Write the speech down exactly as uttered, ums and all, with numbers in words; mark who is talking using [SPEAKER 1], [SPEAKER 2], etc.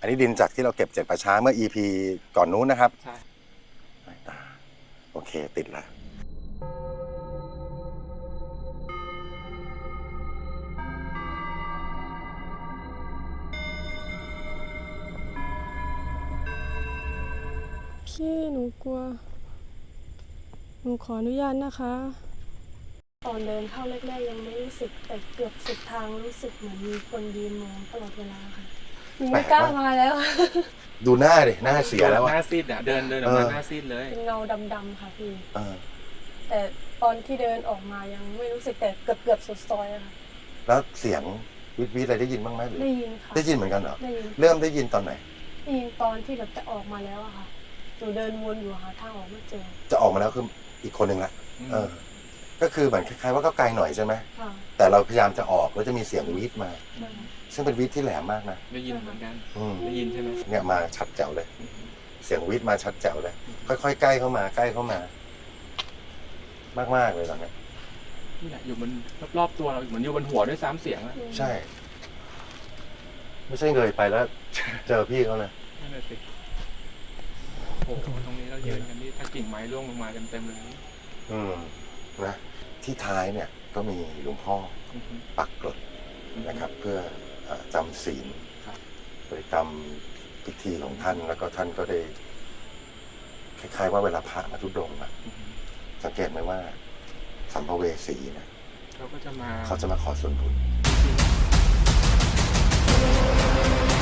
[SPEAKER 1] อันนี้ดินจากที่เราเก็บจากป่าช้าเมื่อ อี พี ก่อนนู้นนะครับ
[SPEAKER 2] ใช่
[SPEAKER 1] โอเคติดแล้ว
[SPEAKER 3] พี่หนูกลัวหนูขออนุญาตนะคะตอนเดินเข้าแรกๆยังไม่รู้สึกแต่เกือบสุดทางรู้สึกเหมือนมีคนยืนมองตลอดเวลาค่ะหนูไม่กล้ามาแล้ว
[SPEAKER 1] ดูหน้าดิหน้าเสียแล้ว
[SPEAKER 2] หน้าซีดอ่ะเดินเดินออกมาหน้าซีดเลย
[SPEAKER 3] เป็นเงาดำๆค่ะพี่
[SPEAKER 1] เออ
[SPEAKER 3] แต่ตอนที่เดินออกมายังไม่รู้สึกแต่เกือบเกือบสุดซอยอะค่ะ
[SPEAKER 1] แล้วเสียงวิทวิทอะไรได้ยินบ้างไหมหรือ
[SPEAKER 3] ได้ยินค่ะ
[SPEAKER 1] ได้ยินเหมือนกันเหรอ
[SPEAKER 3] ได้ยิน
[SPEAKER 1] เริ่มได้ยินตอนไหน
[SPEAKER 3] ได้ยินตอนที่แบบจะออกมาแล้วอะค่ะหนูเดินวนอยู่หาทางออกไม่เจอ
[SPEAKER 1] จะออกมาแล้วคืออีกคนหนึ่งละเออก็คือเหมือนคล้ายๆว่าก็ไกลหน่อยใช่ไหม
[SPEAKER 3] ค่ะ
[SPEAKER 1] แต่เราพยายามจะออกแล้วจะมีเสียงวีดมา
[SPEAKER 3] ใช่
[SPEAKER 1] ซึ่งเป็นวีดที่แหลมมากนะ
[SPEAKER 2] ได้ยินเหมือนกัน
[SPEAKER 1] อืม
[SPEAKER 2] ได้ยินใช่ไหม
[SPEAKER 1] เนี่ยมาชัดแจ๋วเลย เสียงวีดมาชัดแจ๋วเลย ค่อยๆใกล้เข้ามาใกล้เข้ามา มากๆเลยตอนนี้
[SPEAKER 2] นี่แหละอยู่บนรอบๆตัวเราเหมือนอยู่บนหัวด้วยซ้ำเสียงอะ
[SPEAKER 1] ใช่ ไม่ใช่เงยไปแล้ว เจอพี่เขาเลย
[SPEAKER 2] นั่นแหละสิโอ้โหตรงนี้เรายืนกันนี่ถ้ากิ่งไม้ร่วงลงมาเต็มๆเลย
[SPEAKER 1] อืมนะที่ท้ายเนี่ยก็มีหลวงพ่อปักกรดนะครับ เพื่อจำศีลบริกรรมพิธีของท่านแล้วก็ท่านก็ได้คล้ายๆว่าเวลาพระมาทุดงค์อะสังเกตไหมว่าสัมภเวสีเนี่ย
[SPEAKER 2] เขาก็จะมา
[SPEAKER 1] เขาจะมาขอส่วนบุญ